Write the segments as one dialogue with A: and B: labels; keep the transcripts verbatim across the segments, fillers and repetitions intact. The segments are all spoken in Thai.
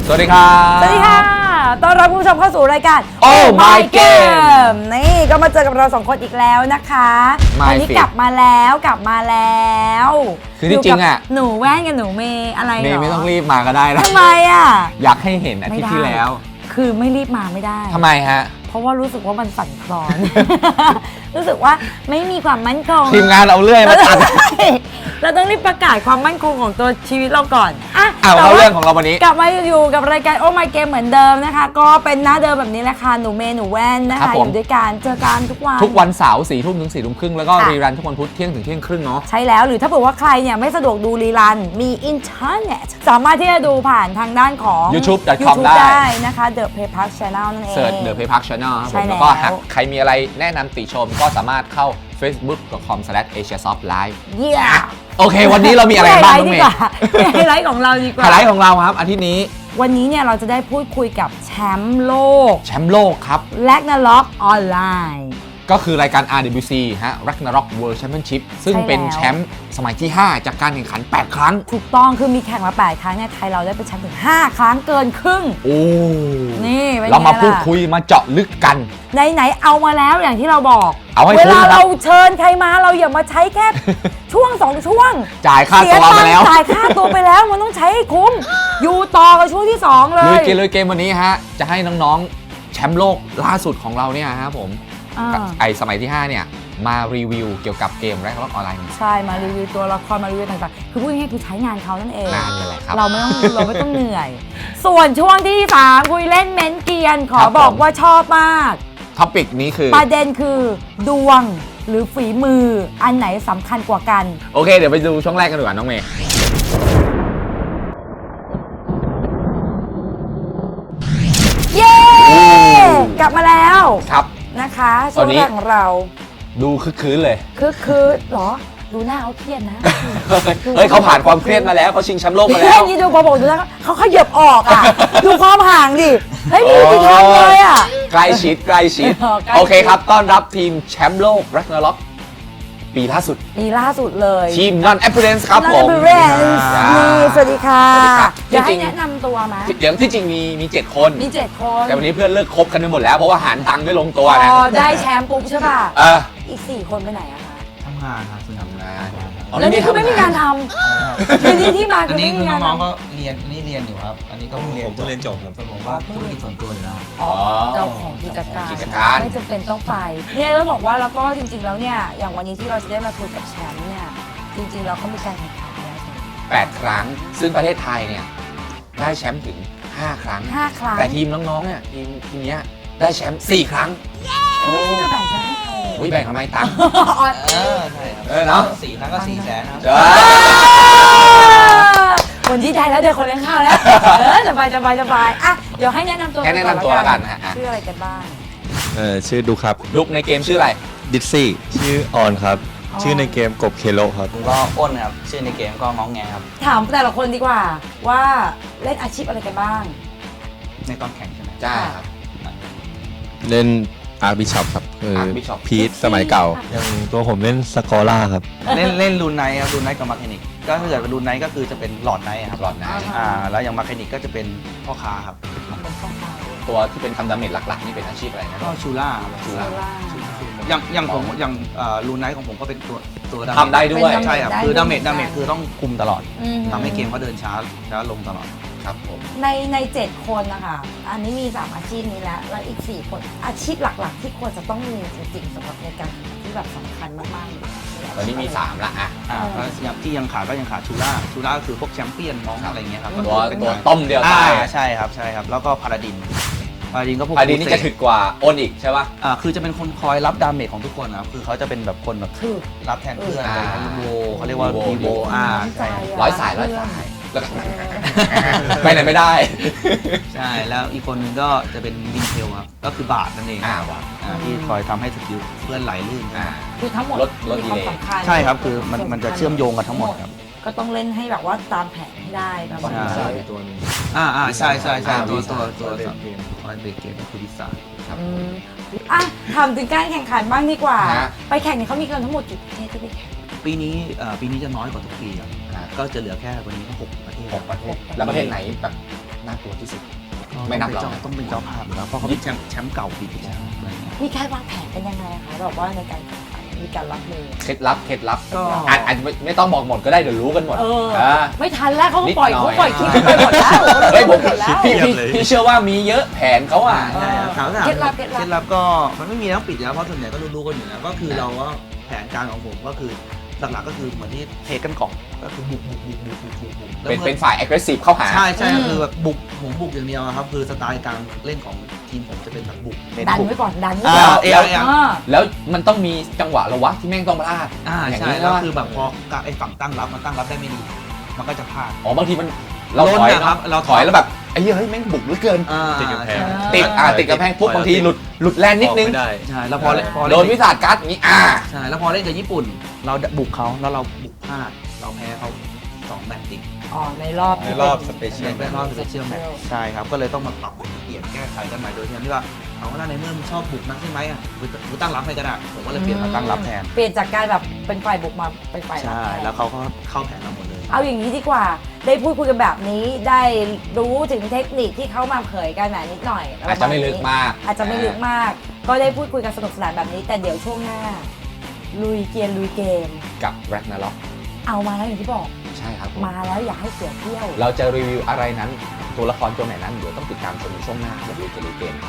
A: สวัสดีครับ
B: สวัสดีค่ะต้อนรับผู้ชมเข้าสู่รายการ
A: Oh My Game
B: นี่ก็มาเจอกับเราสองคนอีกแล้วนะคะวันนี้กลับมาแล้วกลับมาแล้ว
A: คือที่จริงอ่ะ
B: หนูแว่นกับหนูเมย์อะไรเหรอ
A: เมย์ไม่ต้องรีบมาก็ได้นะ
B: ทำไมอ่ะ
A: อยากให้เห็นอาทิตย์ที่แล้ว
B: คือไม่รีบมาไม่ได้
A: ทำไมฮะ
B: เพราะว่ารู้สึกว่ามันสั่นคลอน รู้สึกว่าไม่มีความมั่นคง
A: ทีมงานเอาเรื่อยมาตัด
B: เราต้องรีบประกาศความมั่นคงของตัวชีวิตเราก่อนอ่ะ
A: เอาเข้าเรื่องของเราวันนี้
B: กลับมาอยู่กับรายการ Oh My Game เหมือนเดิมนะคะก็เป็นหน้าเดิมแบบนี้แหละค่ะหนูเมย์หนูแว่นนะคะอยู่ด้วยกันเจอกันทุกวัน
A: ทุกวันเสาร์สี่ทุ่มถึงสี่ทุ่มครึ่งแล้วก็รีรันทุกวันพุธเที่ยงถึงเที่ยงครึ่งเนาะ
B: ใช่แล้วหรือถ้าเกิดว่าใครเนี่ยไม่สะดวกดูรีรันมีอินเทอร์เน็ตสามารถที่จะดูผ่านทางด้านของ
A: ยูทูบ ดอท คอม ได้
B: นะคะ The Play Park Channel นั่นเอง
A: เสิร์ช The Play Park Channel ครับผมแล้วก็หากใครมีอะไรแนะนำติชมก็สามารถเข้า เฟซบุ๊ก ดอท คอม สแลช เอเชียซอฟต์ ไลฟ์
B: เยี่ย
A: โอเควันนี้เรามีอะไรบ้างน้องเมย์
B: ไฮไลท์ของเราดีกว่า
A: ไฮไลท์ของเราครับอาทิตย์นี้
B: วันนี้เนี่ยเราจะได้พูดคุยกับแชมป์โลก
A: แชมป์โลกครับ
B: Ragnarok ออนไลน์
A: ก็คือรายการ อาร์ ดับเบิลยู ซี ฮะ Ragnarok World Championship ซึ่งเป็นแชมป์สมัยที่ ห้า จากการแข่งขัน แปด ครั้ง
B: ถูกต้องคือมีแข่งมา แปด ครั้งเนี่ยไทยเราได้เป็นแชมป์ถึง ห้า ครั้งเกินครึ่ง
A: โอ้
B: นี่
A: เรามาพูดคุยมาเจาะลึกกัน
B: ไหนๆเอามาแล้วอย่างที่เราบอก
A: เอาให้
B: เวลาเราเชิญใครมาเราอย่ามาใช้แค่ ช่วงสองช่วง
A: จ่ายค่าตัวไปแล้ว
B: จ่ายค่าตัวไปแล้วมันต้องใช้ให้คุ้มอยู่ต่อกับช่วงที่สองเลย
A: ลุยเกมลุยเกมวันนี้ฮะจะให้น้องๆแชมป์โลกล่าสุดของเราเนี่ยครับผมไอสมัยที่ ห้า เนี่ยมารีวิวเกี่ยวกับเกม Ragnarok ออนไลน์
B: ใช่มารีวิวตัวละครมารีวิวต่างๆคือพูดง่ายๆคือใช้งานเขานั่นเอง
A: งานเลยแหละครับ
B: เราไม่ต้องเราไม่ต้องเหนื่อยส่วนช่วงที่สามคุยเล่นเม้นเกียนขอบอกว่าชอบมาก
A: ท็อปิกนี้คือ
B: ประเด็นคือดวงหรือฝีมืออันไหนสำคัญกว่ากัน
A: โอเคเดี๋ยวไปดูช่วงแรกกันดีกว่าน้องเมย์
B: เย้กลับมาแล้ว
A: ครับ
B: นะคะช่วงแรกของเรา
A: ดูคึกคืนเลย
B: คึกคืนหรอดูหน้าเขาเครียดนะ
A: เฮ้ยเขาผ่านความเครียดมาแล้วเขาชิงแชมป์โลกมาแล้ว
B: นี่ดูพอบอกดูนะเขาขยับออกอ่ะดูความห่างดิเฮ้ยมีกี่ครั้งเลยอ่ะ
A: ใกล้ชิดใกล้ชิดโอเคครับต้อนรับทีมแชมป์โลก Ragnarok ปีล่าสุด
B: ปีล่าสุดเลย
A: ทีม Non Appearance ครับผม
B: นี่สวัสดีค่ะ
A: จริง
B: ๆแนะนำตัวมา
A: เดี๋ยวที่จริงมีมีเจ็ดคน
B: มีเจ็ดคน
A: แต่วันนี้เพื่อนเลิกคบกันไปหมดแล้วเพราะว่าหารตังค์ไม่ลงตัวนะ
B: พอได้แชมป์ปุ๊บใช่ป่ะอีกสี่คนไปไหนอะคะ
C: ทำงานครับทำงาน
B: แล้วนี่คือไม่มีงานทำคือนี่ที่มาคือไม่มีงาน
C: น้องก็เรียนนี่เรียนอยู่ครับอันนี้ก็เรียนผมต้องเรียนจบครับผมว่าธุรกิจส่วนตัวอยู่แล้ว
B: อ๋อเจ้าของกิจการไม่จำเป็นต้องไปเนี่ยต้องบอกว่าแล้วก็จริงๆแล้วเนี่ยอย่างวันนี้ที่เราจะได้มาคุยกับแชมป์เนี่ยจริงๆเราก็มีการแข่งขันแล้ว
A: แปดครั้งซึ่งประเทศไทยเนี่ยได้แชมป์ถึงห้าครั้ง
B: ห้าครั้ง
A: แต่ทีมน้องๆเนี่ยทีมทีมนี้ได้แชมป์สี่ครั้ง
B: โอ้ยจะแบ่งแชมป์ให้ใคร
A: อุ้ยแบ่งทำไมตังค์
C: เออใช่ครับ
A: เออเนาะ
C: สี่ครั้งก็สี่แสนครับ
B: คนที่ได้แล้วเดี๋ยวคนเลี้ยงข้าวแล้วเออสบายสบายสบายอ่ะเดี๋ยวให้แนะนำตัว
A: แนะนำตัวกันนะฮะ
B: ชื่ออะไรกันบ้าง
D: เออชื่อดุครับ
A: ดุในเกมชื่ออะไร
D: ดิซซี่ชื่อออนครับชื่อในเกมกบเคโลครับ
C: ก็อ้นครับชื่อในเกมก็ง้องแงครับ
B: ถามแต่ละคนดีกว่าว่าเล่นอาชีพอะไรกันบ้าง
C: ในตอนแข่งใช่ไหม
A: ใช่ครับ
D: เล่นอาร์บิชอปครับคือพีทสมัยเก่าอย่างตัวผมเล่นสกอร่าครับ
C: เล่นเล่นรูนไนท์ครับรูนไนท์กับมาร์เคนิกก็ถ้าเกิดเป็นรูนไนท์ก็คือจะเป็นหลอดไนท์ครับ
A: หลอดไนท์
C: อ่าแล้วอย่างมาร์เคนิกก็จะเป็นพ่อค้าครับ
A: ตัวที่เป็นทำดาเมจหลักๆนี่เป็นอาชีพอะไรนะ
C: ก็ชูล่าชูล่าอย่างอย่างผมอย่างรูนไนท์ของผมก็เป็นตัวตัว
A: ทำได้ด้วย
C: ใช่ครับคือดาเมจดาเมจคือต้องคุมตลอดทำให้เกมเขาเดินช้าช้าลงตลอด
A: ครับผม
B: ในในเจ็ดคนนะคะอันนี้มีสามอาชีพนี้แล้วแล้วอีกสี่คนอาชีพหลักๆที่ควรจะต้องมีจริงๆสำหรับในการที่แบบสำคัญมากๆ
A: ตอนนี้มีสามละอ่ะ
C: อย่างที่ยังขาดก็ยังขาดชูล่าชูล่าคือพวกแชมเปี้ยนมองอะไรเงี้ยครับ
A: ตัวตัวต้มเดียวตาย
C: ใช่ครับใช่ครับแล้วก็พาราดินพาราดินก็พวก
A: พาราดินนี่จะถึกกว่าอ้นอีกใช่ป่ะ
C: อ่าคือจะเป็นคนคอยรับดาเมจของทุกคนนะครับคือเขาจะเป็นแบบคนแบบรับแทนเพื่อนอะไรวีโวเขาเรียกว่าวีโวอ่าใช่
A: ร้อยสายร้อยสายไปไหนไม่ได้
C: ใช่แล้วอีกคนนึงก็จะเป็นวินเทลครับก็คือบาทนั่นเอง
A: อ่าบาท
C: ที่คอยทำให้สกิลเพื่อนไหลลื่น
B: คือทั้งหมดมีความสำคัญ
C: ใช่ครับคือมันมันจะเชื่อมโยงกันทั้งหมดครับ
B: ก็ต้องเล่นให้แบบว่าตามแผนให้ได้ประมาณนี้
C: ตัวนึงอ่าอ่าใช่ใช่ใช่ตัวตัวตัวเบรกเกมคอยเบรกเกมคือวิสา
A: ครับ
B: อ่ะถามถึงการแข่งขันบ้างดีกว่าไปแข่งเนี่ยเขามีกันทั้งหมดกี่ประเทศที่ไปแข่ง
C: ปีนี้ปีนี้จะน้อยกว่าทุกปีครับก็จะเหลือแค่วันนี้ก็หกประเทศ
A: หกประเทศแล้วประเทศไหนแบบน่ากลัวที่สุด ไม่นับหรอก
C: ต้องเป็นเจ้าภาพอยู่แล้วเพราะเขาเป็นแชมป์แชมป์เก่าปีที่แล้วอะไรเงี้ย
B: มีการวางแผนกันยังไงคะแบบว่าในการแข่งขันมีการรับมือ
A: เคล็ดลับเคล็ดลับ
C: ก็
A: อาจอาจจะไม่ไม่ต้องบอกหมดก็ได้เดี๋ยวรู้กันหมด
B: เออ
A: อ่า
B: ไม่ทันแล้วเขาก็ปล่อย
A: นิดหน่
B: เขา
A: อย
B: ปล่อยคลิปไปหมดแล้ว
A: เฮ้ยผม
B: หมดแล้ว
A: พี่พี่พี่เชื่อว่ามีเยอะแผนเขาอ่ะ
C: ใช่ครับถามว่า
B: เคล็ดลับเคล็ดลับ
C: เคล็ดลับก็มันไม่มีแล้วปิดอยู่แล้วเพราะส่วนใหญ่ก็รู้ๆกันอยู่แล้วก็คือเราก็แผนการของผมก็คือหลักๆก็คือเหมือนที่เทกันก่อนก็คือบุกบุกบุกบุกบุกบุกบุกแล้ว
A: เป็น
C: มื่อ
A: เป็นฝ่าย aggressive เข้าหา
C: ใช่ใช่
B: อืม
C: คือแบบบุกผมบุกอย่างเดียวอะครับคือสไตล์การเล่นของทีมผมจะเป็นแบบบุกเน้น
B: ดัน
C: บุก
B: ไว้ก่อนดันไว้
C: อ่า
B: ก่อน
C: เอ
A: แล้ว
C: เอ
B: อ่า
A: แล้วมันต้องมีจังหวะระวะที่แม่งต้องพลาด
C: อ่า
A: อย่าง
C: ใช่
A: นี้
C: แล้ว
A: นะ
C: คือแบบพอไอ้ฝั่งตั้งรับมันตั้งรับได้ไม่ดี มันก็จะพลาด
A: อ๋อบางทีมันเรา
C: ล้น
A: ถอย
C: นะครับ
A: เนาะ
C: เรา
A: ถอยแล้วแบบไอ้เหี้ยเฮ้ยแม่งบุกเหลือเกิน
C: อ่า
D: ติดกำแพง
A: ติดอ่าติดกระแพงปุ๊บบางทีหลุดหลุดแลนนิดนึง
D: ออกไม่ได้
C: ใช่แล้วพอเล่นพอ
A: โด
C: เล่
A: น
C: น
A: วิสาการ์ดอย่างนี้อ่า
C: ใช่แล้วพอเล่นกับญี่ปุ่น เราบุกเขาแล้วเราบุกพลาดเราแพ้เขาสองแมตช์ติด
B: อ๋อในรอบ
D: ในรอบสเปเชียล
C: เป็นรอบสเปเชียลแมตช์ใช่ครับก็เลยต้องมาปรับเปลี่ยนแก้ไขกันใหม่โดยที่ว่าเอาว่าในเมื่อมึงชอบบุกนักใช่ไหมอ่ะกูตั้งรับให้ก็ได้ผมก็เลยเปลี่ยนมาตั้งรับแทน
B: เปลี่ยนจากการแบบเป็นฝ่ายบุกมาเป็นฝ่ายรับ
C: ใช่
B: ทน
C: แล้วเขาก็เข้าแผนเราหมดเลย
B: เอาอย่างนี้ดีกว่า ได้พูดคุยกันแบบนี้ ได้รู้ถึงเทคนิคที่เขามาเผยกันหน่อยนิดหน่อย
A: อาจจะไม่ลึกมาก
B: อาจจะไม่ลึกมาก ก็ได้พูดคุยกันสนุกสนานแบบนี้ แต่เดี๋ยวช่วงหน้า ลุยเกียร์ลุยเกม
A: กับแร็กนาล็อก
B: เอามาแล้วอย่างที่บอก
A: ใช่ครับผม
B: มาแล้วอย่าให้เสียเที่ยว
A: เราจะรีวิวอะไรนั้น ตัวละครตัวไหนนั้น เดี๋ยวต้องติดตามชมในช่วงหน้าเดี๋ยวดูจะรีเกมครับ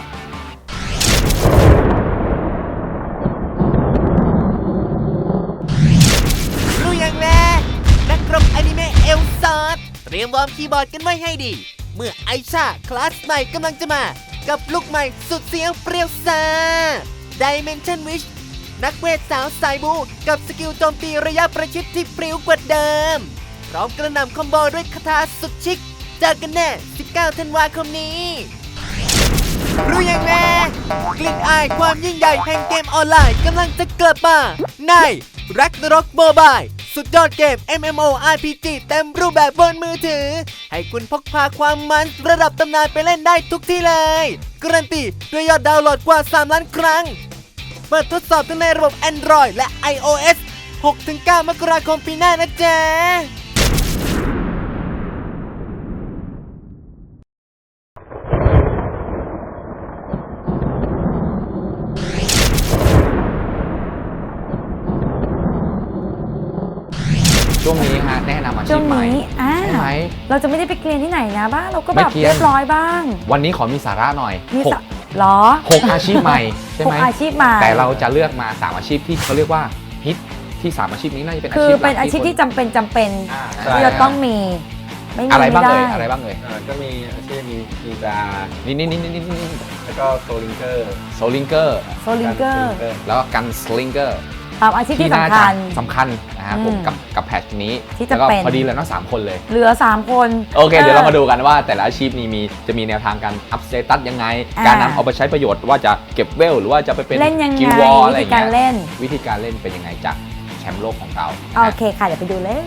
E: รู้อย่างแรกนักรบอนิเมะเอลซาร์เตรียมวอร์มคีย์บอร์ดกันไว้ให้ดี เมื่อไอชาคลาสใหม่กำลังจะมา กับลุกใหม่สุดเสียงเปรี้ยวซ่า Dimension Witch นักเวทสาวสายบูกับสกิลโจมตีระยะประชิดที่ปริ้วกว่าเดิม พร้อมกระหน่ำคอมโบด้วยคาถาสุดชิคเจอกันแน่ สิบเก้า ธันวาคมนี้ รู้ยังแน่กลิ่นอายความยิ่งใหญ่แห่งเกมออนไลน์กำลังจะกลับมาใน Ragnarok Mobile สุดยอดเกม เอ็ม เอ็ม โอ อาร์ พี จี เต็มรูปแบบบนมือถือ ให้คุณพกพาความมันระดับตำนานไปเล่นได้ทุกที่เลย การันตีด้วยยอดดาวน์โหลดกว่า สาม ล้านครั้ง เปิดทดสอบทั้งในระบบ Android และ iOS หกถึงเก้า มกราคมปีหน้านะจ๊ะ
A: ช่วงนี้ฮะแนะนำอาชี
B: ช่ว
A: พ
B: ง
A: ใหม่
B: นี้อ่า
A: ใช่ไหม
B: เราจะไม่ได้ไปเกรียนที่ไหนนะบ้างเราก็
A: ไม่
B: แบบ
A: เกรียน
B: เรียบร้อยบ้าง
A: วันนี้ขอมีสาระหน่อย
B: มี
A: หก
B: สะหรอ
A: หกอาชีพใหม่ใช่
B: ห
A: ไหม
B: กอาชีพใหม่
A: แต่เราจะเลือกมาสามอาชีพที่เขาเรียกว่าฮิตที่สามอาชีพนี้น่าจะเป็นอา
B: คื
A: ชี
B: อ
A: พหลัก
B: เป็นอาชีพที่จำเป็นจำเป็น
A: อ่า
B: ที่จะต้องมี ไม่มี
A: อะไร
B: ไม่
A: บ้าง
B: ได้
A: เอ่ยอะไรบ้างเอ่ย
D: อ่าก็มีอาชีพมีมีดา
A: นี่นี่นี่นี่นี่นี่
D: แล้วก็โซลิงเกอร์
A: โซลิงเกอร์
B: โซลิงเกอร์
A: แล้วก็กันสลิงเกอร์
B: ตามอาชีพที่
A: น่า
B: สำ
A: จะ
B: คัญ
A: สำคัญนะครับผม
B: อืม
A: กับกับแพทนี้
B: ที่จะ
A: แล้วก็
B: เป็น
A: พอดีเลยเนาะสามคนเลย
B: เหลือสามคน
A: โอเค เดี๋ยวเรามาดูกันว่าแต่ละอาชีพนี้มีจะมีแนวทางการอัพสเตตัสยังไง
B: อ่า
A: การนำเอาไปใช้ประโยชน์ว่าจะเก็บเวลหรือว่าจะไปเป็น
B: เล่นยังไง
A: กิลวอลอะไร
B: วิ
A: อ
B: ธี
A: ย่าง
B: การ
A: เงี้ย
B: เล่น
A: วิธีการเล่นเป็นยังไงจากแชมป์โลกของเรา
B: โอเคค่ะ เดี๋ยวไปดูเลย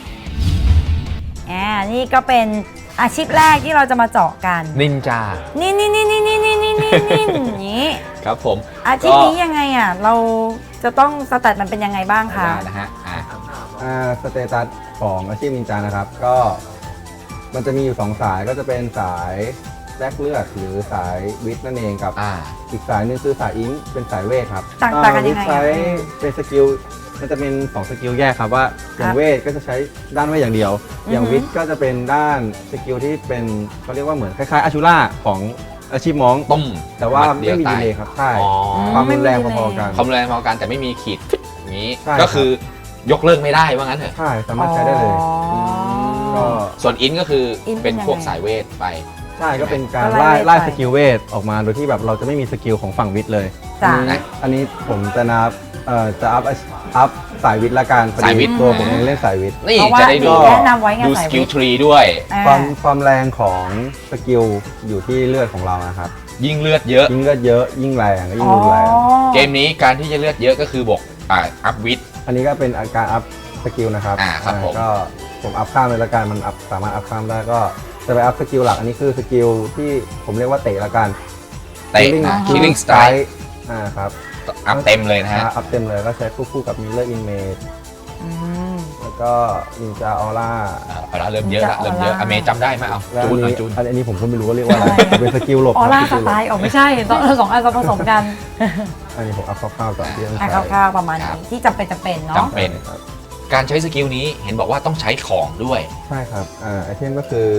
B: อ่านี่ก็เป็นอาชีพแรกที่เราจะมาเจาะกัน
A: นินจา
B: นี่นี่นี่นี่นี่นี่นี่นี่นี่อย่างนี้
A: ครับผม
B: อาชีพนี้ยังไงอ่ะ เราจะต้องสแตทมันเป็นยังไงบ้างคะ
A: ได้นะฮะอ่ะ
F: อ่าสเตตัสของอาชีพนินจานะครับ ก็มันจะมีอยู่สองสายก็จะเป็นสายแลกเลือดหรือสายวิทย์นั่นเองกับ
A: อ่า
F: อีกสายหนึงคือสายอิงค์เป็นสายเวทครับ
B: ต่างต่างกันยังไง
F: วิทย์ใช้
B: อ่ะ
F: เป็นสกิลมันจะเป็นสองสกิลแยกครับว่าอย่า
B: ครั
F: ง
B: บ
F: เวทก็จะใช้ด้านเวทอย่างเดียว อย่าง
B: อือฮึ
F: วิทย์ก็จะเป็นด้านสกิลที่เป็นเขาเรียกว่าเหมือนคล้ายๆอาชูล่าของอาชีพม้อง
A: ต้ม
F: แต่ว่า
A: ดดี
F: ไม่
A: ยว
F: มี
A: ต
F: ดีเลยครับใช่
A: อ๋อ
F: ความรุนแรง
B: ไม่มี
F: พอๆกัน
A: ความแรงพอกันแต่ไม่มีขีดอย่างนี้
F: ใช่
A: ก็คือยกเลิกไม่ได้ว่างั้นเถอะ
F: ใช่สามารถใช้ได้เลย
B: อ๋อ
F: ก็
A: ส่วนอินก็คือ
B: อินเป็น
A: เป็นพวก
B: ยังไง
A: สายเวทไป
F: ใช่ก็เป็นการ
B: ก็ไล่
F: ไล่ไล่
B: ไป
F: สกิลเวทออกมาโดยที่แบบเราจะไม่มีสกิลของฝั่งวิทย์เลย
B: จ้ะ
F: อันนี้อันนี้ผมจะนับเอ่อจะอัพอัพสายวิทย์ละกันพอดี
A: สายวิทย์
F: ตัวผมเองเล่นสายวิทย์
A: นี่
B: เพราะว่า
A: จะได้ดู
B: แนะนำไว้ไง
A: ดู
B: สา
A: ส
B: ย
A: กิล
B: วิทย์
A: ทรีด้วย
B: อ่า
F: ความความแรงของสกิลอยู่ที่เลือดของเรานะครับ
A: ยิ่งเลือดเยอะ
F: ยิ่งเลือดเยอะยิ่งแรงก็ยิ่ง
B: อ๋อ
F: รุนแรง
A: เกมนี้การที่จะเลือดเยอะก็คือบวกอ่าอัพวิท
F: อันนี้ก็เป็นอาการอัพสกิลนะครับ
A: อ่าครับผม
F: ก็ผมอัพข้ามเลยละกันมันอัพสามารถอัพข้ามได้ก็จะไปอัพสกิลหลักอันนี้คือสกิลที่ผมเรียกว่าเตะละกัน
A: เตะ
F: Killing
A: นะ
B: อ่า
A: killing strike
F: อ่าครับ
A: อัพเต็มเลยนะฮะ
F: อัพเต็มเลยก็ใช้คู่คู่กับ Mirror Image
B: อืม
F: แล้วก็ก็นินจาออร่า
A: อ่าเอาละเริ่มเยอะละเริ่มเยอะอเมย์จำได้ไหมเอา
F: แล้ว
A: จู
F: อั
A: น
F: น
A: หน่อย
F: นี้
A: จูน
F: อันนี้ผมก็ไม่รู้ว่าเรียกว่าอะไรเป็นสกิลหลบ
B: ออร่า
F: ค
B: ส
F: บ
B: ไตล์ออกไม่ใช่สองสองอันผสมกัน
F: อันนี้ผมเอาคร่าวๆก่อนที่ต้อง
B: อ่ะ
F: ใช้
B: คร่าวๆประมาณนี้ที่จำเป็นจำเป็นเนาะ
A: จำเป็น
F: ครับ
A: การใช้สกิลนี้เห็นบอกว่าต้องใช้ของด้วย
F: ใช่ครับอ่าไอเทมก็คือ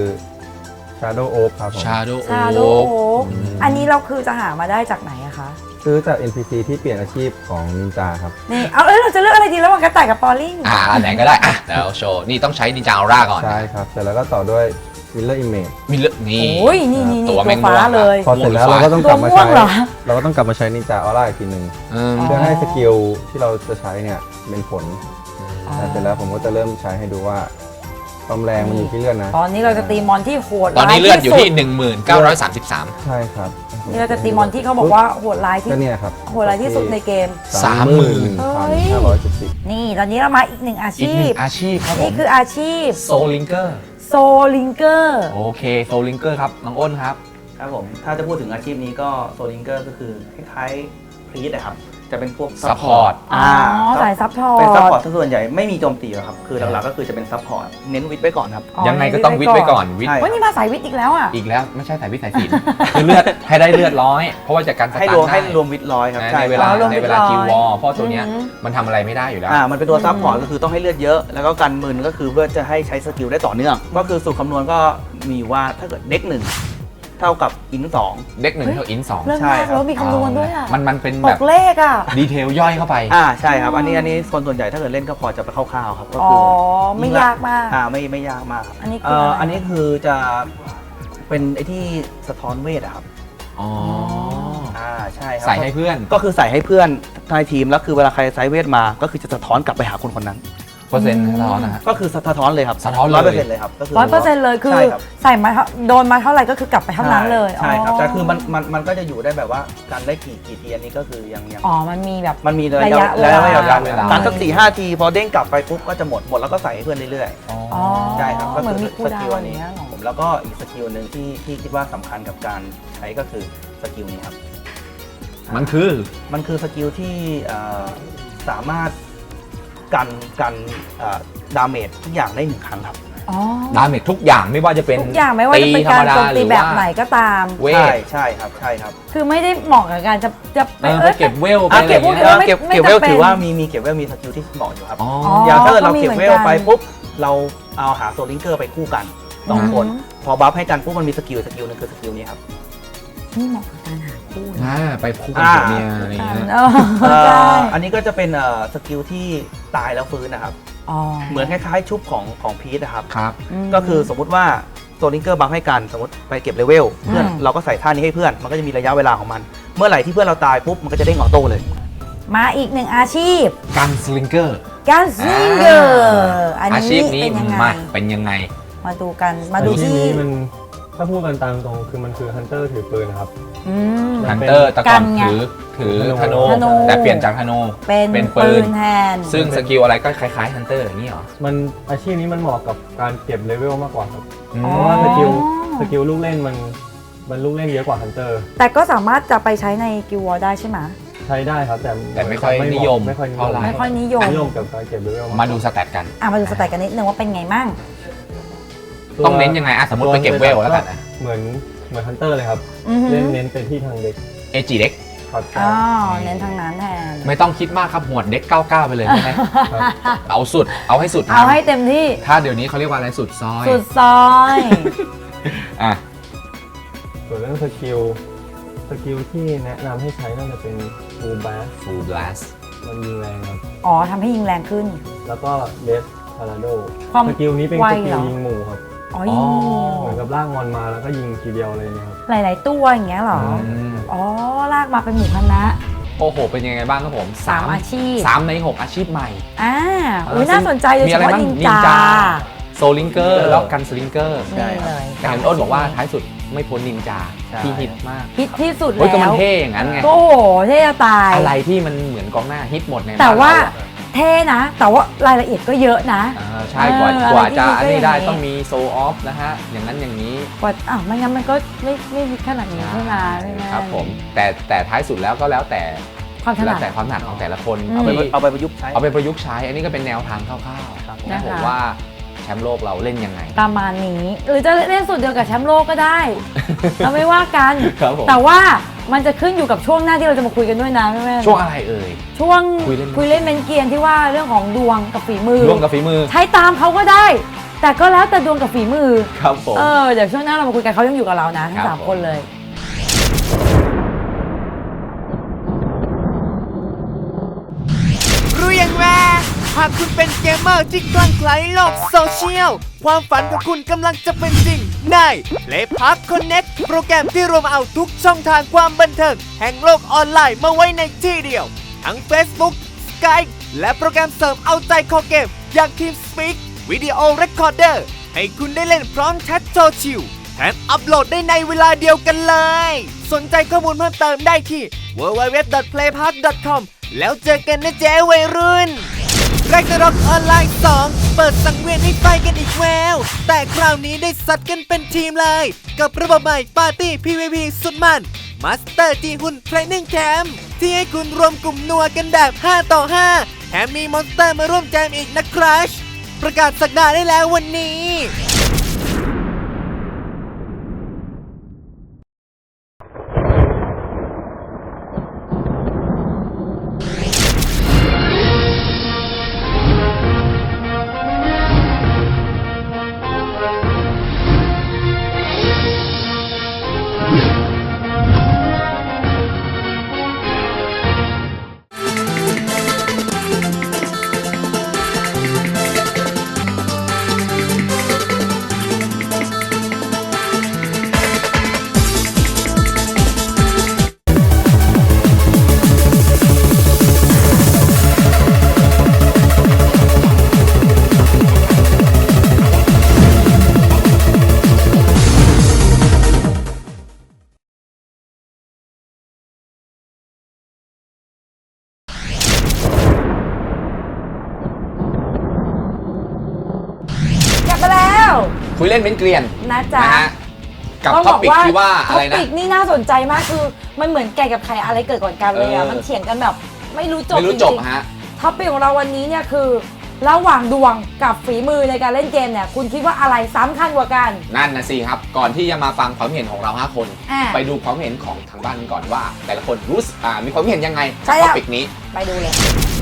F: Shadow Oak ครับผม
A: Shadow
B: ชาโด
A: Oak
B: โอ๊กอันนี้เราคือจะหามาได้จากไหนอะคะ
F: ซื้อจาก เอ็น พี ซี ที่เปลี่ยนอาชีพของนินจาครับ
B: นี่เอาเอ้ยเราจะเลือกอะไรดีระหว่างกระต่ายกับปอลลิง
A: อ่าอันไหนก็ได้อ่ะแล้วโชว์นี่ต้องใช้นินจาออร่าก่อน
F: ใช่ครับ เสร็จแล้วก็ต่อด้วย Miller Image
A: มีเลือกนี่
B: โอ้ยนี่นี่นี่
A: ตัว
B: ตัว
A: แมง
B: ฟ้า
A: ม่วง
B: เลย
F: พอเสร็จแล้ว
A: ม่วง
F: เราก็ต้องก
B: ตั
F: ลั
B: ว
F: บมา
B: ม่ว
F: ใช้
B: งเหรอ
F: เราก็ต้องกลับมาใช้นินจาออร่าอีกทีหนึ่ง
A: อืม
F: เพื่อให้สกิลที่เราจะใช้เนี่ยเป็นผล
B: อ๋อ
F: เสร็จแล้วผมก็จะเริ่มใช้ให้ดูว่าความแรงมันอยู่ที่เลือดนะ
B: ตอนนี้เราจะตีมอนที่โหด
A: ตอนนี้เลือดอยู่ที่
B: ร้า
A: หนึ่งหมื่นเก้าร้อยสามสิบสาม
F: ใช่ครับ
B: นี่เราจะตีมอนที่เขาบอกว่าโหดร้ายที่
F: ก็เนี่ยครับ
B: โหดร้ายที่สุดในเกม
A: สามหมื่น
F: พันห้าร้อยเจ็ดสิบ
B: นี่ตอนนี้เรามาอีกหนึ่งอา
A: อีก
B: ชี
A: หนึ่
B: พ
A: งอาชีพครับผ
B: นี่
A: ม
B: คืออาชีพ
A: โซลิงเกอร์
B: โซลิงเกอร์
A: โอเคโซลิงเกอร์ครับน้องอ้นครับ
C: ครับผมถ้าจะพูดถึงอาชีพนี้ก็โซลิงเกอร์ก็คือคล้ายๆพรีสนะครับจะเป็นพวก
A: Support
B: อ๋อสายซัพพอร์ต
C: เป็นซัพพอร์ตส่วนใหญ่ไม่มีโจมตีหรอกครับคือหลักๆก็คือจะเป็นซัพพอร์ตเน้นวิทย์ไว้ก่อนครับ
A: ยังไงก็ต้องวิทย์ไว้ก่อนวิทย์
C: ใช่
B: วันนี้มาสายวิทย์อีกแล้วอ่ะ
A: อีกแล้วไม่ใช่สายวิทย์สายศิลป์คือเลือดให้ได้เลือดร้อย เพราะว่าจากการส
C: ให้
A: ตาร์
C: รวม
A: ท
C: ให้
A: ได้
C: รวมวิทย์ร้อยครับ
A: นะ
C: ใช่
A: ในเว
C: ค
A: ลา
C: รับ
B: รวม
A: ใน
B: วิทย์
A: เวลา
B: ร้อย
A: คิววอลเพราะตัวเนี้ย
B: อืม
A: มันทำอะไรไม่ได้อยู่แล้ว
C: อ่ามันเป็นตัวซัพพอร์ตก็คือต้องให้เลือดเยอะ แล้วก็กันมึนก็คือเพื่อจะให้ใช้สกิลได้ต่อเนื่อง ก็คือสูตรคำนวณก็มีอยู่ว่าถ้าเกิดเด็กหนึ่งเท่ากับอินสอง
A: เด็กหนึ่งเท่าอินสอง
B: เรื่อง
C: ใช่
B: มาก
C: ครับ
B: แล้วมีคำนวณด้วยอ่ะ
A: มันมันเป็น
B: ต
A: แบบ
B: กเลขอ่ะ
A: ดีเทลย่อยเข้าไป
C: อ่าใช่ครับอันนี้อันนี้คนส่วนใหญ่ถ้าเกิดเล่นก็พอจะไปคร่าวๆครับก็
B: อ๋อ
C: คือ
B: ไม่ยากมาก
C: อ่าไม่ไม่ยากมากครับ
B: อันนี้คือ
C: เอ่อ
B: อะไร
C: อันนี้คือจะเป็นไอ้ที่สะท้อนเวทอะครับ
A: อ๋อ
C: อ่าใช่ครับ
A: ใส่ให้เพื่อน
C: ก็คือใส่ให้เพื่อนในทีมแล้วคือเวลาใครไซส์เวทมาก็คือจะสะท้อนกลับไปหาคนคนนั้น
A: เปอร์เซ็นต์สะท้อนนะฮะ
C: ก็คือสะท้อนเลยครับ
A: สะท้อนเลย
C: ร้อยเปอร์เซ็นต์เลยครับก็คือ
B: ร้อยเปอร์เซ็นต์เลยคือ
C: ใช่ครับ
B: ใส่มาเท่าโดนมาเท่าไหร่ก็คือกลับไปเท่านั้นเลย
C: ใช่ครับแต่คือมันมันมันก็จะอยู่ได้แบบว่าการได้กี่กี่ทีอันนี้ก็คือยังยัง
B: อ๋อมันมีแบบ
C: มันมีระ
B: ระ
C: ยะ
B: ยะ
C: ระยะเว
B: เวลา
C: ลาการ
A: เวลา
C: การสักสี่ห้าทีพอเด้งกลับไปปุ๊บก็จะหมดหมดแล้วก็ใส่ให้เพื่อนเรื่อย
B: อ๋อ
C: ๆใช่ครับก็
B: เหมือน
C: คื
B: มี
C: อ
B: คู
C: ส
B: ลดา
C: กิ
B: ว
C: ล
B: น์
C: อัน
B: อย่าง
C: นี้
B: เงี้ยเหรอ
C: ผมแล้วก็อีกสกิลหนึ่งที่ที่คิดว่าสำคัญกับการใช้ก็คือสกิลนี้ครับ
A: มันคือ
C: มันคือสกิลที่เอ่อสามารถกันกันดาเมจทุกอย่างได้หนึ่งครั้งครับ
B: อ๋อ
A: ดาเมจทุกอย่างไม่ว่าจะเป็น
B: ทุกอย่างไม่ว่าจะเป็นการโจมตีแบบไหนก็ตาม
A: เว
C: ใช่
A: ท
C: ใช่ครับใช่ครับ
B: คือไม่ได้เหมาะกับการจะจะไป
A: เออไป
B: เอ้ย
A: เก็บเวลไป
B: อ่ะ
A: อะไร
B: เก็บพวก
A: เงี้ย
B: ออไม่
C: เก็บ
B: ไม่
C: เก็บเวล
B: จำเป็น
C: ถือว่ามีมีเก็บเวลมีสกิลที่เหมาะอยู่ครับ
A: อ๋อ
C: อย่างถ้าเกิดเรา
B: ก็มี
C: เก็บ
B: เหมื
C: เว
B: อน
C: ล
B: กัน
C: ไปปุ๊บเราเอาหาโซลิงเกอร์ไปคู่กันสองคน
B: อืม
C: พอบัฟให้กันปุ๊บมันมีสกิลสกิลหนึงคือสกิลนี้ครับ
B: นี่เหมาะกับการหาคู่นะ
A: อ่าไปคู่กับผัวเมียอะไรอย่างเงี้ย
B: เออ
C: เอ่
B: ใช่
C: ออันนี้ก็จะเป็นเอ่อสกิลที่ตายแล้วฟื้นนะครับ
B: อ๋อ
C: เหมือนคล้ายๆชุบของของพีทนะครับ
A: ครับ
B: ม
C: ก็คือสมมุติว่าโซลิงเกอร์บัฟให้กันสมมติไปเก็บเลเวลเพื่อน
B: อืม
C: เราก็ใส่ท่านี้ให้เพื่อนมันก็จะมีระยะเวลาของมัน เมื่อไหร่ที่เพื่อนเราตายปุ๊บมันก็จะเด้งออโต้เลย
B: มาอีกหนึ่งอาชีพ
A: กันสลิงเกอร์
B: การซิงเกอร์อัน
A: อา
B: นี้
A: ชีพนี้
B: เป็นยังไง
A: มาเป็นยังไง
B: มาดูกันมาดู
F: ที่
B: ที่
F: นี้มันถ้าพูดกันตามตรงคือมันคือฮันเตอร์ถือปืนนะครับ
B: อืม
A: ฮันเตอร์แต่ก่อน
B: กันไง
A: ถือถือธ
F: ธนู
A: นู
B: ธนู
A: แต่เปลี่ยนจากธนู
B: เป็น
A: เป็นปื
B: ปื
A: น
B: นแทน
A: ซึ่งสกิลอะไรก็คล้ายๆฮันเตอร์อย่างนี้เหรอ
F: มันอาชีพนี้มันเหมาะกับการเก็บเลเวลมากกว่าครับ
A: อืม
B: อ๋อ
F: เพราะว่าสกิลสกิลลูกเล่นมันมันลูกเล่นเยอะกว่าฮันเตอร์
B: แต่ก็สามารถจะไปใช้ในกิววอลได้ใช่ไหม
F: ใช้ได้ครับแต่
A: แต่ไม่ค่อยนิยม
F: ไม่ค่อยนิย
A: เท่าม ไหร่
B: ไม่ค่อยนิยม
F: นิยมกับการเก็บเลเวล
A: มาดูสแตทกัน
B: อ่ะมาดูสแตทกันนิดนึงว่าเป็นไงมั่ง
F: ตัว
A: ต้องเน้นยังไงอ่ะสมมติไปเก็บเวลแล้วกันนะ
F: เหมือนเหมือนฮันเตอร์เลยครับ
B: อือหือ
F: เล่นเน้นเป็นที่ทางเด็ก
A: เอจีเด็ก
F: ครับ
B: อ๋อเน้นทางนั้นแทน
A: ไม่ต้องคิดมากครับหวดเด็กเก้าเก้าไปเลยใช่ไหม
F: ครับ
A: เอาสุดเอาให้สุด
B: เอาให้เต็มที่
A: ถ้าเดี๋ยวนี้เขาเรียกว่าอะไรสุดซอย
B: สุดซอย
A: อ่ะ
F: ส่วนเรื่องสกิลสกิลที่แนะนำให้ใช้น่าจะเป็นฟูลแบส
A: ฟูลบลัส
F: มันยิงแรงครับ
B: อ๋อทำให้ยิงแรงขึ้น
F: แล้วก็เลสพาราโด
B: ความ
F: สกิลนี้เป็น
B: ไว
F: สกิ
B: เหร
F: ล
B: อ
F: ยิงหมู่ครับ
B: อ๋อยิง
F: เหมือนกับลากมอนมาแล้วก็ยิงทีเดียวเลยนะครับ
B: หลาย ๆ ตัวอย่างเงี้ยเหรอ
A: อืม
B: อ๋อ ลากมาเป็นหมู่คณะ
A: โอ้โหเป็นยังไงบ้างครับผม
B: สามอาชีพ
A: สามในหกอาชีพใหม่
B: อ่า
A: เออ
B: อุ้ยน่าสนใจโดย
A: มี
B: เฉ
A: อะไร
B: พาะ
A: บ้าง
B: นิน
A: นิน
B: จา
A: จา โซลิงเกอร์แล้วกันสลิงเกอร์
B: นี่เลย
A: แต่เห็นอ้นบอกว่าท้ายสุดไม่พ้นนินจา
C: ใช่
A: ที่ฮิตมาก
B: ฮิตที่สุด
A: เฮ้ยก็มั
B: แล้
A: น
B: ว
A: เท่อย่างนั้นไง
B: โอ้โหเท่จะตาย
A: อะไรที่มันเหมือนกองหน้าฮิตหมดใน
B: แต่ว่า
A: บ้นเรอะ
B: เท่นะ แต่ว่ารายละเอียดก็เยอะนะ
A: อ่าใช่กว่า
B: เออก
A: ว่าจะ
B: อะไรที่
A: อันนี้ได้
B: ฮิตก็อย่างนี้
A: ต้องมีโซออฟนะฮะ อย่างนั้นอย่างนี้
B: กว่าอ้าวไม่งั้นมันก็ไม่ไม่ฮิตขนาดนี้ใช่ไหมใช่ไหม
A: ครับผมแต่แต่ท้ายสุดแล้วก็แล้วแต่
B: ความถนั
A: แล้
B: ด
A: วแต่ความถนัดของแต่ละคน
B: อืม
C: เอาไป
A: ที่
C: เอาไปประยุกต์ใช้
A: เอาไปประยุกต์ใช้ อันนี้ก็เป็นแนวทางคร่าวๆ
C: ครับ
A: นะผมว่าแชมป์โลกเราเล่นยังไง
B: ประมาณนี้หรือจะเล่นสูตรเดียวกับแชมป์โลกก็ได้ เราไม่ว่ากัน
A: ครับผม
B: แต่ว่ามันจะขึ้นอยู่กับช่วงหน้าที่เราจะมาคุยกันด้วยนะแม่แม่
A: ช่วงอะไรเอ่ย
B: ช่วง
A: คุยเล่น
B: คุยเล่นเมนเกียนที่ว่าเรื่องของดวงกับฝีมือ
A: ร่วมกับฝีมือ
B: ใช้ตามเขาก็ได้ แต่ก็แล้วแต่ดวงกับฝีมือ
A: ครับผม
B: เออเดี๋ยวช่วงหน้าเรามาคุยกันเขายังอยู่กับเรานะทั้
A: ครั
B: ง
A: บ
B: สาม
A: ผม
B: คนเลย
E: รู้ยังว่าหากคุณเป็นเกมเมอร์ที่คลั่งไคล้โลกโซเชียล ความฝันของคุณกำลังจะเป็นจริงใน Play Park Connect โปรแกรมที่รวมเอาทุกช่องทางความบันเทิงแห่งโลกออนไลน์มาไว้ในที่เดียว ทั้ง Facebook Skype และโปรแกรมเสริมเอาใจคอเกมอย่าง TeamSpeak Video Recorder ให้คุณได้เล่นพร้อมแชทโซเชียลแถมอัปโหลดได้ในเวลาเดียวกันเลย สนใจข้อมูลเพิ่มเติมได้ที่ ดับเบิลยู ดับเบิลยู ดับเบิลยู ดอท เพลย์พาร์ค ดอท คอม แล้วเจอกันนะเจ๊วัยรุ่น แรกร็อกออนไลน์สองเปิดสังเวียนให้ไฟกันอีกแววแต่คราวนี้ได้สัตว์กันเป็นทีมเลย กับระบบใหม่ปาร์ตี้ พี วี พี สุดมันมาสเตอร์จีหุ่นเทรนนิ่งแคมป์ที่ให้คุณรวมกลุ่มนัวกันแบบ ห้า ต่อ ห้า แถมมีมอนสเตอร์มาร่วมแจมอีกนะครัชประกาศสักดาได้แล้ววันนี้
B: กลับมาแล้ว
A: คุยเล่นเป็นเกลียน
B: นะจ๊ะ
A: นะฮะกับ
B: ต้อง
A: ท็อปิกที่ว่าอะไร
B: ท็
A: นะ
B: อปิกนี่น่าสนใจมากคือมันเหมือนไก่กับไข่อะไรเกิดก่อนกันเลยอ่ะ
A: เออ
B: มันเถียงกันแบบไม่รู้จบ
A: ไม่รู้จบ
B: งๆ
A: ฮะ
B: ท็อปิกของเราวันนี้เนี่ยคือ ระหว่างดวงกับฝีมือในการเล่นเกมเนี่ยคุณคิดว่าอะไรสำคัญกว่ากัน
A: นั่นนะสิครับ ก่อนที่จะมาฟังความเห็นของเราห้าคน
B: อ่า
A: ไปดูความเห็นของทางบ้านกันก่อนว่า แต่ละคนรู้สึกอ่ามีความเห็นยังไง
B: ใช่
A: กับ
B: แล้
A: ท็
B: ว
A: อปิกนี้
B: ไปดูเลย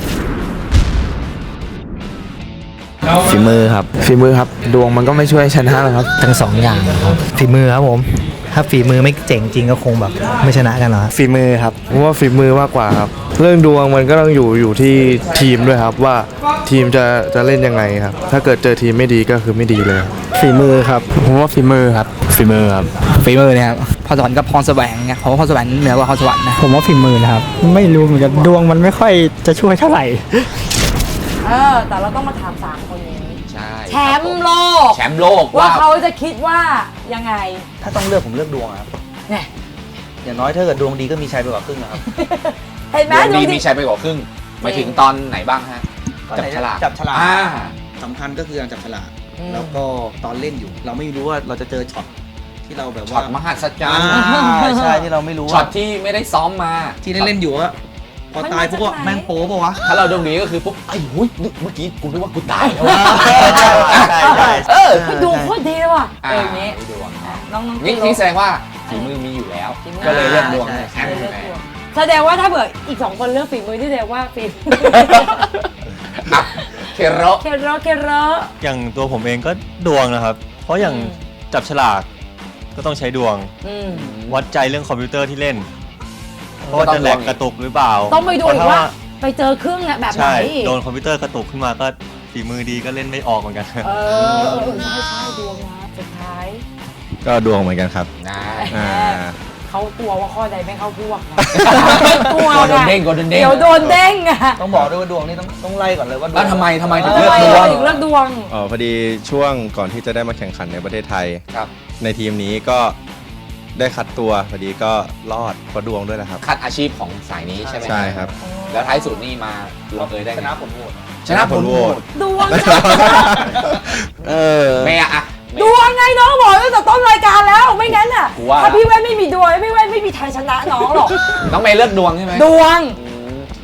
G: ฝีมือครับฝีมือครับ ดวงมันก็ไม่ช่วยชนะหรอกครับ
H: ทั้งสองอย่างครับฝีมือครับผม ถ้าฝีมือไม่เจ๋งจริงก็คงแบบไม่ชนะกันหรอก
G: ฝีมือครับผมว่าฝีมือมากกว่าครับ เรื่องดวงมันก็ต้องอยู่อยู่ที่ทีมด้วยครับว่าทีมจะจะเล่นยังไงครับ ถ้าเกิดเจอทีมไม่ดีก็คือไม่ดีเลย
H: ฝีมือครับผมว่าฝีมือครับฝีมือครับฝีมือเนี่ยครับพรสวรรค์กับพรแสวงไงเพราะว่าพรแสวงเหนือกว่าพรสวรรค์นะผมว่าฝีมือนะครับไม่รู้เหมือนกันดวงมันไม่ค่อยจะช่วยเท่าไหร่
B: เออแต่เราต้องมาถามสามคนนี้
A: ใช่
B: แชมป์โลก
A: แชมป์โลก
B: ว่า
A: ว่า
B: เขาจะคิดว่ายังไง
C: ถ้าต้องเลือกผมเลือกดวงอะครับ
B: เนี่ย
C: อย่างน้อยถ้าเกิดดวงดีก็มีชัยไปกว่าครึ่งนะครับ
B: เห็นไหม
A: ดวงดี
B: ดวง
A: มีชัยไปกว่าครึ่งหมายถึงตอนไหนบ้างฮะ
C: ตอน
A: จับ
C: ไหน
A: ฉลาก
C: จับฉลาก
A: อ่า
C: สำคัญก็คือการจับฉลาก
B: อืม
C: แล้วก็ตอนเล่นอยู่ เราไม่รู้ว่าเราจะเจอช็อตที่เราแบบ
A: ช็อ
C: ว่า
A: ตมหัศจร
C: อ่าร
A: ย์
C: ใช่ที่เราไม่รู้
A: ช็อ
C: ว่า
A: ตที่ไม่ได้ซ้อมมา
C: ที่ได้เล่นอยู่ว่าพอตายปุ๊บก็แม่งโป๊ปะวะ
A: ถ้าเราดวงดีก็คือปุ๊บไอ้หุ้ยนึกเมื่อกี้กูนึกว่ากูตายแล้ว
C: ใช่ใช่ใช่
A: เออ
B: คือดวงโคตรดีเลยว่ะเอ
A: อ่า
B: ออย่างนี้
A: ดวง
B: อ่ะน้องน้อง
A: นี่
B: ติ๊ก
A: นี่แสดงว่าฝีมือมีอยู่แล้ว
B: ฝีมือ
A: ก็เลยเลือกดวง
C: ใช่
A: แชมป์ใช่ไหม
B: แสดงว่าถ้าเผื่ออีกสองคนเลือกฝีมือที่แสดงว่าฝี
A: อ่ะเคโร
B: เคโรเคโร
D: อย่างตัวผมเองก็ดวงนะครับ เพราะอย่าง
B: อืม
D: จับฉลากก็ต้องใช้ดวง
B: อืม
D: วัดใจเรื่องคอมพิวเตอร์ที่เล่นเพราะว่าจะแหลกกระตุกหรือเปล่า
B: ต้องไปดูอีก
D: เพระ
B: ว่า ไปเจอเครื่องเนี่ยแบบไหน
D: ใช่โดนคอมพิวเตอร์กระตุกขึ้นมาก็ฝีมือดีก็เล่นไม่ออกเหมือนกัน
B: เออเออใช่ใช่ดวงนะสุดท้าย
D: ก็ดวงเหมือนกันครับ
A: นะ
D: อ่า
B: เขากลัวว่าข้อใดไม่เข้าพวกนะกลัว
A: โดน
B: ไง
A: เด้งโดนเด้ง
B: เดี๋ยวโดนเด้งอะ
C: ต้องบอกด้วยว่าดวงนี่ต้องต้องไล่ก่อนเลยว่าดวง
A: แล้วทำไมทำไมถึง
B: ทำ
A: เลือก
B: ไม
A: ดวง
B: ถึงเลือกดวง
F: อ๋อพอดีช่วงก่อนที่จะได้มาแข่งขันในประเทศไทย
A: ครับ
F: ในทีมนี้ก็ได้คัดตัวพอดีก็รอดเพราะดวงด้วยแหละครับ
A: คัดอาชีพของสายนี้ใช่ไหม
F: ใช่ครับ
A: แล้วท้ายสุดนี่มาลงเอยได้
C: ช
A: ไง
C: นะผลโหวต
A: ชนะผลโหวต
B: ดวงจ้ะ
F: เออ
A: เมย์อะ
B: ดวงไงน้องบอกตั้งแต่ต้นรายการแล้วไม่งั้นอ่ะ
A: กูว่า
B: ถ้าพี่แว่นไม่มีดวงพี่แว่นไม่มีทางชนะน้องหรอก
A: น้องเมย์เลือกดวงใช่ไหม
B: ดวง
A: อืม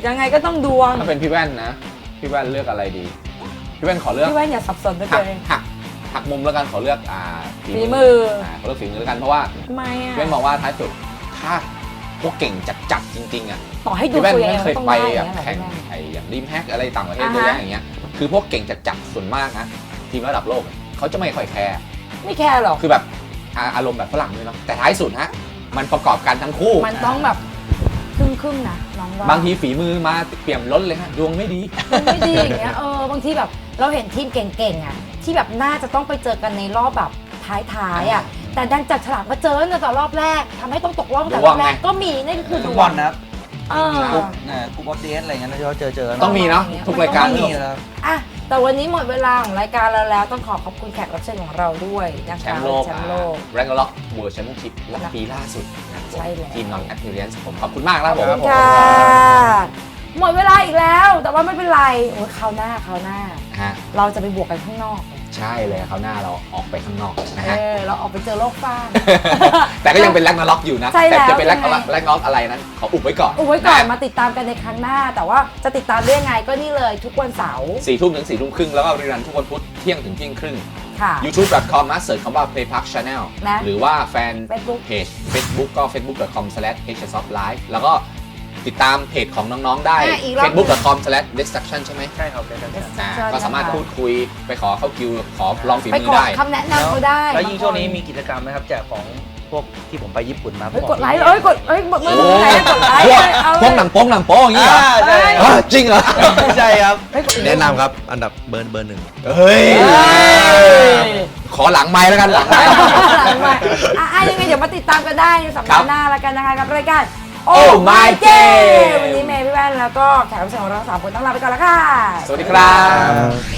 B: ยังไงก็ต้องดวง
A: ถ้าเป็นพี่แว่นนะพี่แว่นเลือกอะไรดีพี่แว่นขอเลือก
B: พี่แว่นอย่าสับสนด้วย
A: หั
B: ตั
A: ก
B: วเอง
A: หักหักมุมแล้วกันขอเลือกอ่า
B: ฝีมืออ่
A: าขอเลือกฝีมือแล้วกันเพราะว่า
B: ทำไมอ่ะ
A: พี่แว่นมองว่าท้ายสุดถ้าพวกเก่งจัดๆจริงๆอ่ะ
B: ต่อให้ดู
A: พี่แว่น
B: ตัวเอ
A: ไม่
B: ง
A: เคย
B: ต้อง
A: ไป
B: ได้
A: แบ
B: อบ ย่างเงี้ย
A: แข่ง
B: เหรอพี่แว่น
A: ไอ้อย่างริมแฮกอะไรต่างประเทศ
B: อ่า
A: เยอะ
B: ฮะ
A: แยะอย่างเงี้ยคือพวกเก่งจัดๆส่วนมากนะทีมระดับโลกเขาจะไม่ค่อยแคร์
B: ไม่แคร์หรอก
A: คือแบบอ่าอารมณ์แบบฝรั่งด้วยเนาะแต่ท้ายสุดฮะมันประกอบกันทั้งคู่
B: มันต้องแบบครึ่งครึ่งๆนะน้องว่า
A: บางทีฝีมือมาเปี่ยมล้นเลยฮะดวงไม่ดี
B: มันไม่ดีอย่างเงี้ยเออบางทีแบบเราเห็นทีมเก่งๆอ่ะที่แบบน่าจะต้องไปเจอกันในรอบแบบท้ายๆอ่ะแต่ดันจัดฉลากมาเจอในแต่รอบแรกทำให้ต้องตกรอบตั้งแต่รอบแรกก็มีนั่นก็คือ
C: ทุ
B: ด
C: ก
B: ว
C: วั
B: ง
C: นนะครับ
B: เออ
C: มีกรุ๊ปนะกรุ๊ปออฟเดสอะไรเงี้ยที่เราเจอเจอ
A: ต้องมีเนาะทุกรายการ
C: ต้องมีแล้ว
B: อ่ะแต่วันนี้หมดเวลาของรายการเราแล้วต้องขอขอบคุณแขกรับเชิญของเราด้วยนะคะ
A: แชมป์โลก
B: แชมป์โลก
A: แรงล็อกเวิร์แชมเปี้ยนชิพและปีล่าสุดนะครับผม
B: ใช่แล้ว
A: ทีมนอนแอ p เ e เ r น c e ผมขอบคุณมากนะค
B: ข
A: รั
B: อ
A: บบ ผม
B: คุณค่ะ หมดเวลาอีกแล้ว แต่ว่าไม่เป็นไรโอ้ยคราวหน้าคราวหน้า
A: ฮะ
B: เราจะไปบวกกันข้างนอก
A: ใช่เลยคราวหน้าเราออกไปข้างนอกนะ
B: เอ
A: ฮะ
B: อเราออกไปเจอโลกฟ้าง
A: แต่ก็ยังเป็นแรงล็อกอยู่นะ
B: ใช่แล้ว
A: แต่จะเป็นแรง
B: ยังไง
A: แรงล็อกอะไรนั้นขออุบไว้ก่อน
B: อุบไว้ก่อนะ มา
A: ฮะ
B: ติดตามกันในครั้งหน้า แต่ว่าจะติดตามได้ยังไงก็นี่เลยทุกวันเสาร์
A: สี่ทุ่มถึงสี่ทุ่มครึ่งแล้วก็รีรันทุกวันพุธเที่ยงถึงเที่ยงครึ่ง
B: ค่ะ
A: ยูทูบ ดอท คอม นะเสิร์ชคำว่า Playpark Channel
B: นะ
A: หรือว่าแฟน
B: Facebook
A: เพจ Facebook ก็ เฟซบุ๊ก ดอท คอม สแลช เอช เอส ออฟ ไลฟ์ แล้วก็ติดตามเพจของน้องๆได้
B: อ่ะอีกรอบ
A: เฟซบุ๊ก ดอท คอม สแลช เดสทรัคชั่น ใช่ไหม
C: ใช่ครับได้ครับ
A: อ่า
B: ใช่
A: ก็สามารถ
B: นะคะ
A: พูดคุยไปขอเข้าคิว ขอลองฝี
B: ไป
A: มื
B: ข
A: อ
B: อ
A: ได้
B: คำแนะนำเขาได้
C: แล้วยิ่งช่วงนี้มีกิจกรรมนะครับแจกของพวกที่ผมไปญี่ปุ่นมา
B: เฮ้ยกดไลค์เอ้ยกดเอ้ยกดมือ
A: โอ้
B: ถือไหนกดไลค์
A: พวก
B: เลยเอา
A: พวกหนังโป๊งหนังโป๊อย่างนี้เหรอ
C: อ่าใช่
A: เอ้ยจริงเหรอ
C: ไม่ใช่ครับ
B: เฮ้ยกด
D: แนะนำครับ อันดับเบอร์เบอร์หนึ่ง
A: เฮ้ย
B: เฮ้ย
A: ขอหลังไม้แล้วกันหลังไม้
B: หลังไมค์อ่ะอ่ะยังไงเดี๋ยวมาติดตามกันได้ในสัป
A: ครั
B: ดา
A: บ
B: ห์หน้าแล้วกันนะคะกับรายการ
A: Oh My Game
B: วันนี้เมย์พี่แว่นแล้วก็แขกรับเชิญของเราสามคนต้องลาไปก่อนแล้วค่ะ
A: สวัสดีครับ